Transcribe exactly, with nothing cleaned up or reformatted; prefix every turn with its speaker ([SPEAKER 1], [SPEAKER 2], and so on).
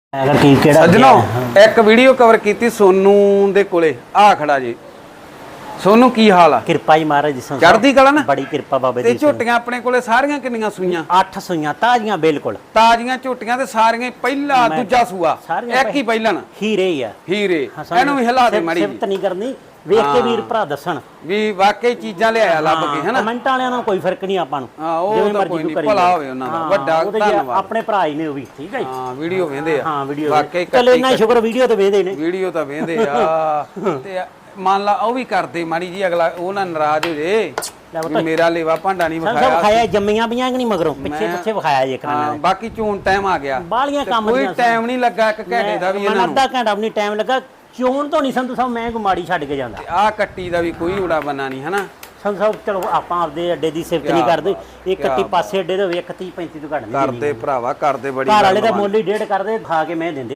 [SPEAKER 1] ਅਗਰ ਕੀ ਕਿਹੜਾ
[SPEAKER 2] ਸੱਜਣੋ ਇੱਕ ਵੀਡੀਓ ਕਵਰ ਕੀਤੀ ਸੋਨੂ ਦੇ ਕੋਲੇ ਆ ਖੜਾ ਜੀ। ਸੋਨੂ ਕੀ ਹਾਲ ਆ?
[SPEAKER 1] ਕਿਰਪਾ ਹੀ ਮਹਾਰਾਜ ਜੀ ਸੰਸਾਰ
[SPEAKER 2] ਚੜ੍ਹਦੀ ਕਲਾ ਨਾ
[SPEAKER 1] ਬੜੀ ਕਿਰਪਾ ਬਾਬੇ
[SPEAKER 2] ਤੇ
[SPEAKER 1] ਦੀ।
[SPEAKER 2] ਝੋਟੀਆਂ ਆਪਣੇ ਕੋਲੇ ਸਾਰੀਆਂ ਕਿੰਨੀਆਂ ਸੂਈਆਂ?
[SPEAKER 1] ਅੱਠ ਸੂਈਆਂ ਤਾਜ਼ੀਆਂ ਬਿਲਕੁਲ
[SPEAKER 2] ਤਾਜ਼ੀਆਂ ਝੋਟੀਆਂ ਤੇ ਸਾਰੀਆਂ ਪਹਿਲਾ ਦੂਜਾ ਸੂਆ ਇੱਕ ਹੀ ਪਹਿਲਾਂ
[SPEAKER 1] ਹੀਰੇ ਹੀ ਆ
[SPEAKER 2] ਹੀਰੇ। ਇਹਨੂੰ ਵੀ ਹਿਲਾ ਦੇ ਮਾੜੀ
[SPEAKER 1] ਸਿਫਤ ਨਹੀਂ ਕਰਨੀ, ਵੇਖ ਕੇ ਵੀਰ ਭਰਾ ਦੱਸਣ
[SPEAKER 2] ਵੀ ਵਾਕਈ ਚੀਜ਼ਾਂ ਲਿਆਇਆ ਲੱਭ ਕੇ ਹੈਨਾ।
[SPEAKER 1] ਕਮੈਂਟਾਂ ਵਾਲਿਆਂ ਨਾਲ ਕੋਈ ਫਰਕ ਨਹੀਂ ਆਪਾਂ ਨੂੰ,
[SPEAKER 2] ਹਾਂ ਉਹ ਤਾਂ ਕੋਈ ਨਹੀਂ, ਭਲਾ ਹੋਵੇ ਉਹਨਾਂ ਦਾ, ਵੱਡਾ ਧੰਨਵਾਦ।
[SPEAKER 1] ਆਪਣੇ ਭਰਾ ਹੀ ਨੇ ਉਹ ਵੀ, ਠੀਕ ਹੈ ਜੀ।
[SPEAKER 2] ਹਾਂ ਵੀਡੀਓ ਵੇਂਦੇ ਆ,
[SPEAKER 1] ਹਾਂ ਵੀਡੀਓ
[SPEAKER 2] ਵਾਕਈ
[SPEAKER 1] ਚਲੋ ਇੰਨਾ ਸ਼ੁਕਰ ਵੀਡੀਓ ਤੇ ਵੇਂਦੇ ਨੇ,
[SPEAKER 2] ਵੀਡੀਓ ਤਾਂ ਵੇਂਦੇ ਆ। ਤੇ ਮੰਨ ਲਾ ਉਹ ਵੀ ਕਰਦੇ ਮਾੜੀ ਜੀ, ਅਗਲਾ ਉਹ ਨਾ ਨਾਰਾਜ਼ ਹੋ ਜੇ ਵੀ ਮੇਰਾ ਲੇਵਾ ਭਾਂਡਾ ਨਹੀਂ ਵਿਖਾਇਆ।
[SPEAKER 1] ਵਿਖਾਇਆ ਜੰਮੀਆਂ ਪਈਆਂ ਕਿ ਨਹੀਂ ਮਗਰੋਂ ਪਿੱਛੇ ਪਿੱਛੇ ਵਿਖਾਇਆ ਜੇ ਕਰਾਂ।
[SPEAKER 2] ਹਾਂ ਬਾਕੀ ਚੋਣ ਟਾਈਮ ਆ ਗਿਆ,
[SPEAKER 1] ਬਾਲੀਆਂ ਕੰਮ
[SPEAKER 2] ਕੋਈ ਟਾਈਮ ਨਹੀਂ ਲੱਗਾ ਇੱਕ ਘੰਟੇ ਦਾ ਵੀ ਇਹਨਾਂ ਨੂੰ,
[SPEAKER 1] ਅੱਧਾ ਘੰਟਾ ਵੀ ਨਹੀਂ ਟਾਈਮ ਲੱਗਾ। ਚੋਣ ਤੋਂ ਨਹੀਂ ਸੰਧੂ ਸਾਹਿਬ ਮੈਂ ਕੋਈ ਮਾੜੀ ਛੱਡ ਕੇ ਜਾਂਦਾ।
[SPEAKER 2] ਆਹ ਕੱਟੀ ਦਾ ਵੀ ਕੋਈ ਉੜਾ ਬੰਨਾ ਨਹੀਂ ਹਨਾ
[SPEAKER 1] ਸੰਧੂ ਸਾਹਿਬ। ਚਲੋ ਆਪਾਂ ਆਪਦੇ ਅੱਡੇ ਦੀ ਸਿਫਤ ਨਹੀਂ ਕਰਦੇ, ਇਹ ਕੱਟੀ ਪਾਸੇ ਅੱਡੇ ਦੇ ਇੱਕ ਤੀਹ ਪੈਂਤੀ ਤੋਂ ਘੱਟ ਨਹੀਂ
[SPEAKER 2] ਕਰਦੇ ਭਰਾਵਾ, ਕਰਦੇ ਬੜੀ
[SPEAKER 1] ਘਰ ਵਾਲੇ ਦਾ ਮੁੱਲ ਹੀ ਡੇਢ ਕਰਦੇ, ਖਾ ਕੇ ਮੈਂ ਦਿੰਦੇ।